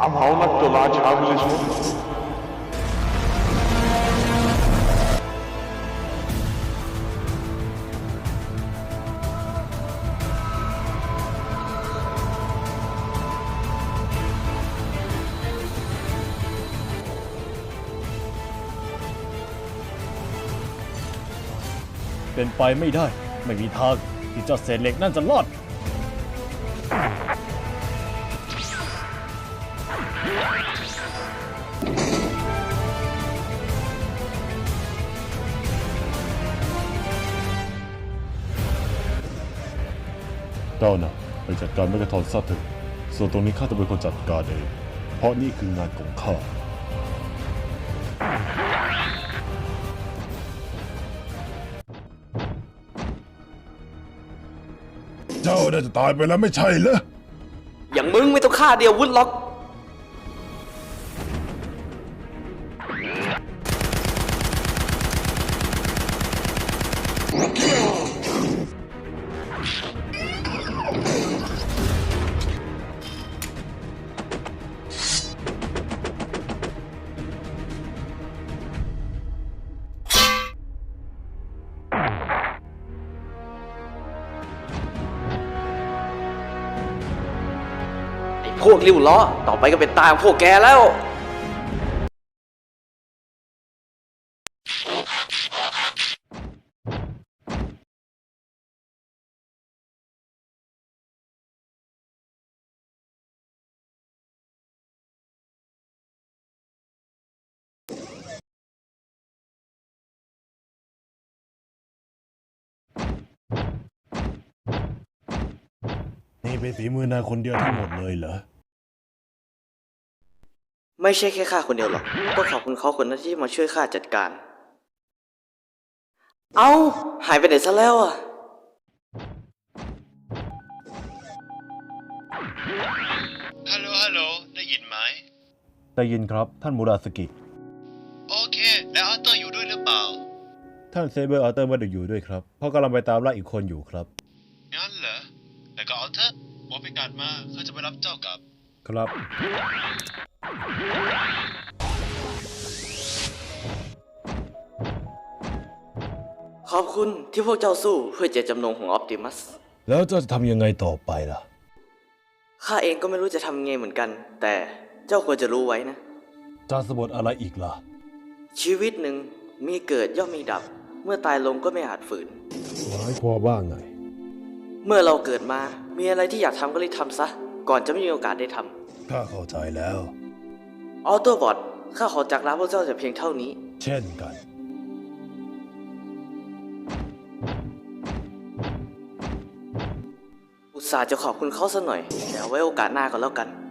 I'm home at the large organization. เป็นไปไม่ได้ไม่มีทางที่เจ้าเศษเหล็กนั่นจะรอดเจ้าน่ะไปจัดการแมกกาทอนซะเถอะส่วนตรงนี้ข้าจะเป็นคนจัดการเองเพราะนี่คืองานของข้าเจ้าน่าจะตายไปแล้วไม่ใช่เหรออย่างมึงไม่ต้องฆ่าเดียววุฒหรอกพวกริ้วล้อต่อไปก็เป็นตาของพวกแกแล้วนี่เป็นฝีมือนายคนเดียวทั้งหมดเลยเหรอไม่ใช่แค่ข้าคนเดียวหรอกต้องขอบคุณเขาคนนั้นที่มาช่วยข้าจัดการเอ้าหายไปไหนซะแล้วอ่ะฮัลโหลได้ยินไหมได้ยินครับท่านมูราสกิโอเคแล้วอาร์เตอร์อยู่ด้วยหรือเปล่าท่านเซเบอร์อาร์เตอร์ไม่ได้อยู่ด้วยครับเพราะกำลังไปตามล่าอีกคนอยู่ครับงั้นเหรอแล้วก็อาร์เตอร์บอกพิกัดมาเขาจะไปรับเจ้ากลับครับขอบคุณที่พวกเจ้าสู้เพื่อเจตจำนงของออปติมัสแล้วเจ้าจะทำยังไงต่อไปล่ะข้าเองก็ไม่รู้จะทำไงเหมือนกันแต่เจ้าควรจะรู้ไว้นะจะสะบดอะไรอีกล่ะชีวิตหนึ่งมีเกิดย่อมมีดับเมื่อตายลงก็ไม่อาจฝืนหมายความว่าไงเมื่อเราเกิดมามีอะไรที่อยากทำก็รีบทำซะก่อนจะไม่มีโอกาสได้ทำข้าเข้าใจแล้วออโต้บอทข้าขอจากลาพวกเจ้าแต่เพียงเท่านี้เช่นกันอุตส่าห์จะขอบคุณเขาซะหน่อยแต่เอาไว้โอกาสหน้าก็แล้วกัน